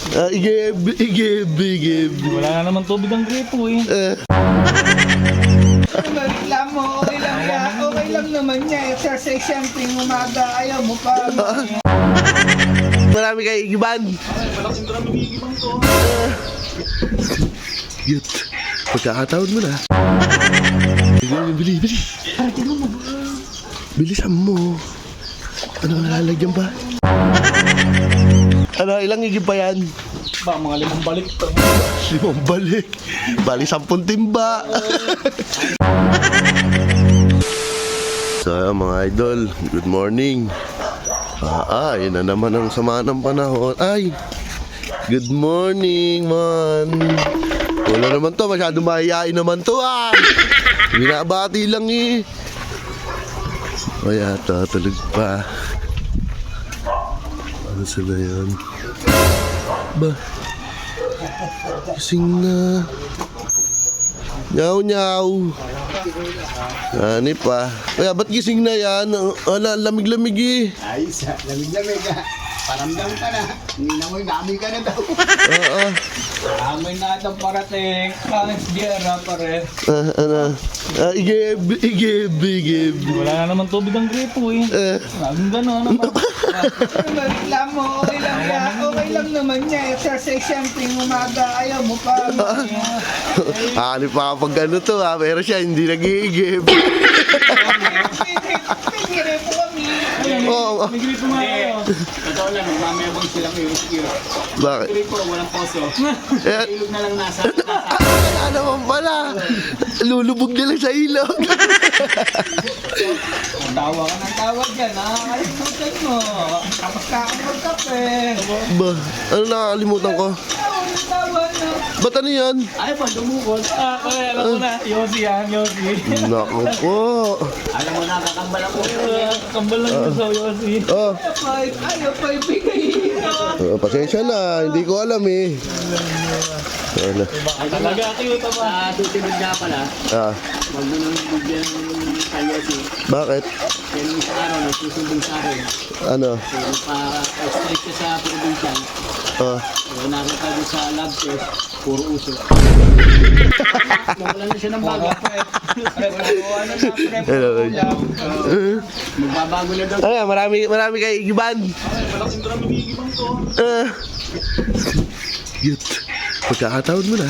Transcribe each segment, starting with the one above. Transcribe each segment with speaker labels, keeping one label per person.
Speaker 1: Igib.
Speaker 2: Wala na naman tubig ang gripo eh.
Speaker 3: Reklamo, okay lang yan. Okay lang naman niya. Exercise siyempre yung umaga. Ayaw mo pa.
Speaker 1: Marami kayo igiban.
Speaker 2: Malaking drum yung igibang to.
Speaker 1: Yut. Pagkakataon mo na. Bili. Bilisan mo. Ano, nalalagyan ba? Ano, ilang igib pa yan?
Speaker 2: Ba, mga 5 balik to.
Speaker 1: 5 balik. Bali 10 timba. So, mga idol, good morning. Yun na naman ang sama ng panahon. Ay, good morning, man. Wala naman to, masyado mahihain naman to, binabati lang eh. O yata, tulog pa. Ano sila yan? Ba? Gising na. Nyaw. Ani pa. Kaya ba't gising na yan? Ala, lamig-lamig eh.
Speaker 3: Ayos ha, lamig-lamig ha. Paramdam ka na. Hindi na mo, dami ka na daw.
Speaker 1: Oo.
Speaker 2: Amoy na itong parating. Pangit gera pare.
Speaker 1: Igib.
Speaker 2: Wala na naman tubig ang gripo eh. Laging gano'n naman.
Speaker 3: Reklamo, okay lang yan. Okay lang naman niya. Exercise siyempre yung umaga. Ayaw mo pa.
Speaker 1: Ano pa kapag ano to pero siya hindi nag-iigib.
Speaker 3: May po kami.
Speaker 1: Oo.
Speaker 2: May gripo nga kayo.
Speaker 4: Totoo lang, mamayabang sila kayo.
Speaker 1: Bakit?
Speaker 4: Gripo, walang poso. Ilog na lang nasa.
Speaker 1: Wala naman pala. Lulubog na lang sa ilog.
Speaker 3: Tawa ka ng tawa dyan. Nakakalimutan mo. Tapos ka ako magkape.
Speaker 1: Ba, ano nakakalimutan ko?
Speaker 3: Tawa na.
Speaker 1: Ba't ano yan?
Speaker 4: Ay pa, dumukot.
Speaker 2: Pare, alam ko na. Yossi yan, Yossi.
Speaker 1: Naku po.
Speaker 4: Alam mo na, kakambal ako.
Speaker 2: Kambal lang ito sa Yossi.
Speaker 3: Ayaw pa ibigay.
Speaker 1: Pasensya na, hindi ko alam eh. Ano?
Speaker 2: Talaga, cute pa.
Speaker 4: Sa tutibig nga pala, wag mo nang bigyan kayo si
Speaker 1: Bakit?
Speaker 4: kaya nung sa araw, nagsusumbong sa akin.
Speaker 1: Ano?
Speaker 4: Kaya pa-strike ka sa provincial. Kaya nakita ko sa lab test, puro uso. Nawalan na siya ng baga. Magbabago na daw.
Speaker 1: Ano, marami kayo igiban.
Speaker 2: Malaking drum yung igibang to.
Speaker 1: Yut. Pagkakataon mo na.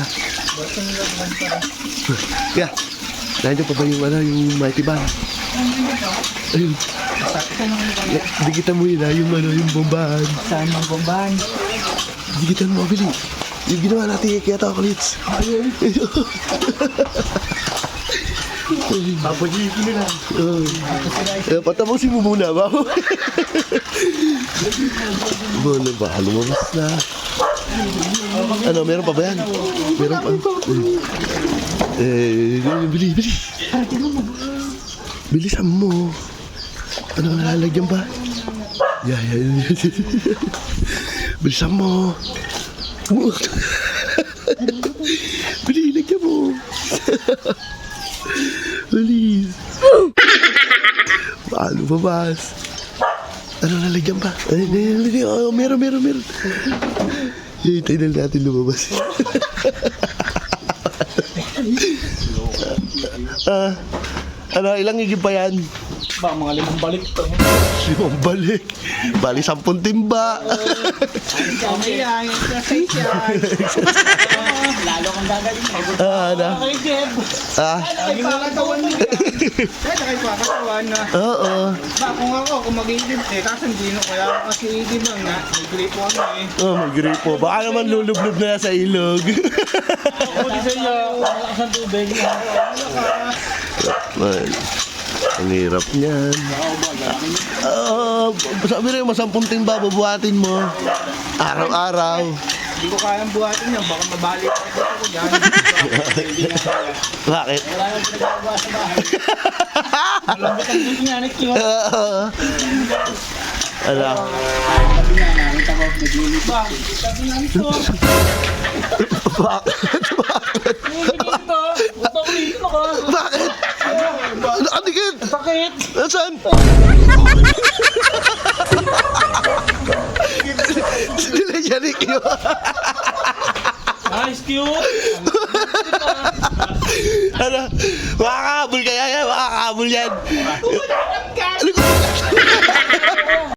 Speaker 1: Kaya, nandiyan pa ba yung mighty band? Ayun. Dikitan mo yun yung bombahan.
Speaker 3: Saan ang bombahan?
Speaker 1: Dikitan mo, Billy. Yung ginawa natin kaya chocolates.
Speaker 4: Papajikin nila.
Speaker 1: Patapusin mo muna ba? Ano ba? Lumabas na. Ano, meron pa ba yan? Meron pa. Bili. Bilisan mo. Ano, nalalagyan ba? Yan. Bilisan mo. Bili, lagyan mo. Bilis. Paano babas? Ano, nalagyan ba? Meron. Hintay na natin lumabas. Ano, ilang igib pa yan?
Speaker 2: Ba, mga 5 balik to.
Speaker 1: 5 balik. Bali 10 timba.
Speaker 3: Okay yan. Exercise yan.
Speaker 4: Lalo kang gagaling.
Speaker 1: Ano?
Speaker 2: Ay, Jeb.
Speaker 3: Ay, pakatawan mo yan. Kaya pakatawan na.
Speaker 1: Oo.
Speaker 3: Ba, kung ako mag-iidib kaso hindi na kaya kasi idib lang na. May gripo ano eh.
Speaker 1: Oh, may gripo. Baka naman lulublob na sa ilog.
Speaker 2: Ako di sa iyo. Malakas ang tubig.
Speaker 1: Man, ang hirap niyan. Sabi rin mo, 10 timba bubuhatin mo. Araw-araw.
Speaker 3: Hindi ko kayang buhatin yan. Baka mabalik ako dyan.
Speaker 1: Bakit?
Speaker 4: Wala nang pinagagawa sa bahay.
Speaker 2: Malambot ang tubig niya.
Speaker 1: Ano?
Speaker 4: Sabi niya, nakita ko, naglilip.
Speaker 2: Sabi nga ito.
Speaker 1: Bakit?
Speaker 2: Ito. Ito ko dito ka.
Speaker 1: Bakit? Nakadikit!
Speaker 2: Sakit.
Speaker 1: Nasaan? nila Jarik yun.
Speaker 4: Nice, cute!
Speaker 1: Ano? Makakahabol kaya yan, makakahabol yan.